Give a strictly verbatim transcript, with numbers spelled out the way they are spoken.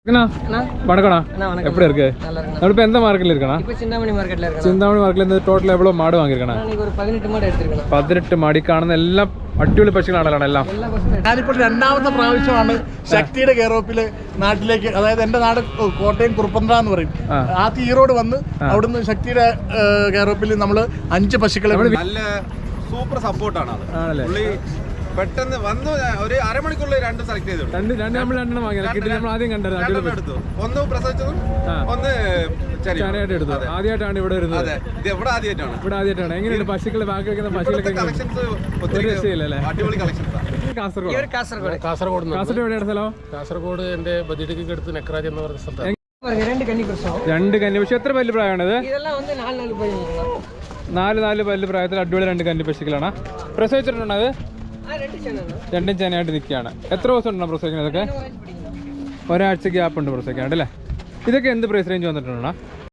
வணக்கண்ணா, எப்படி இருக்கு? நம்ம இப்போ எந்த மார்க்கெட்ல இருக்கண்ணா? இப்போ சிந்தாமணி மார்க்கெட்ல இருக்கேன். சிந்தாமணி மார்க்கெட்ல இருந்து ടോട്ടൽ എவ்வளോ മാട് വാങ്ങിയിരിക്കണം? நான் ஒரு പതിനെട്ട് മാട് എടുത്തിരിക്കണം. പതിനെട്ട് മാടി കാണുന്ന എല്ലാം അടിപൊളി പശുക്കളാണല്ലോ എല്ലാം. ഞാനിപ്പോൾ രണ്ടാമത്തെ പ്രാവശ്യമാണ് ശക്തിയുടെ കെയറോപ്പില് നാട്ടിലേക്ക്, അതായത് എന്റെ നാട് കോട്ടയം കുറുപ്പന്ത്ര എന്ന് പറയും. ആ തീരോട് വന്ന് അവിടുന്ന് ശക്തിയുടെ കെയറോപ്പിൽ നമ്മൾ അഞ്ച് പശുക്കളെ നല്ല സൂപ്പർ സപ്പോർട്ടാണ് അത്. പുള്ളി പെട്ടെന്ന് വന്നു ഒരു അരമണിക്കൂറിൽ രണ്ട് സെലക്ട് ചെയ്തു. രണ്ട് രണ്ട് നമ്മൾ രണ്ടെണ്ണം വാങ്ങിയത് നമ്മൾ ആദ്യം കണ്ടത് എടുത്തു. ഒന്ന് പ്രസവിച്ചതും ഒന്ന് ചെറിയായിട്ട് എടുത്തു. ആദ്യമായിട്ടാണ് ഇവിടെ വരുന്നത്. അതെ, ഇത് എവിടെ ആദ്യമായിട്ടാണ് ഇവിടെ ആദ്യമായിട്ടാണ്. എങ്ങനെയുണ്ട് പശുക്കളെ ബാക്കി വെക്കുന്ന പശുക്കളൊക്കെ? കളക്ഷൻസ് ഒത്തിരി അടിപൊളി കളക്ഷൻസ്. കാസർഗോഡ് കാസർഗോഡ് കാസർഗോഡ് കാസർഗോഡ് എവിടെയാണ് സ്ഥലം? കാസർഗോഡ് എന്റെ ബദിഡിക്ക് അടുത്ത് നെക്രാജ് എന്ന് പറയുന്ന സ്ഥലത്താണ്. രണ്ട് കന്നി പ്രസവം. രണ്ട് കന്നി പശു. എത്ര പല്ല് പ്രായമാണിത്? ഇതെല്ലാം വന്ന് നാല് നാല് പല്ല് നാല് നാല് പല്ല് പ്രായത്തിൽ അടിപൊളി രണ്ട് കന്നി പശുക്കളാണ്. പ്രസവിച്ചിട്ടുണ്ടോ അത്? രണ്ടും ചെനയായിട്ട് നിൽക്കുകയാണ്. എത്ര ദിവസം ഉണ്ടോ പ്രസവിക്കുന്നത്? ഇതൊക്കെ ഒരാഴ്ച ഗ്യാപ്പ് ഉണ്ട് പ്രസവിക്കാണ്ട് അല്ലേ? ഇതൊക്കെ എന്ത് പ്രൈസ് റേഞ്ച് വന്നിട്ടുണ്ടോ?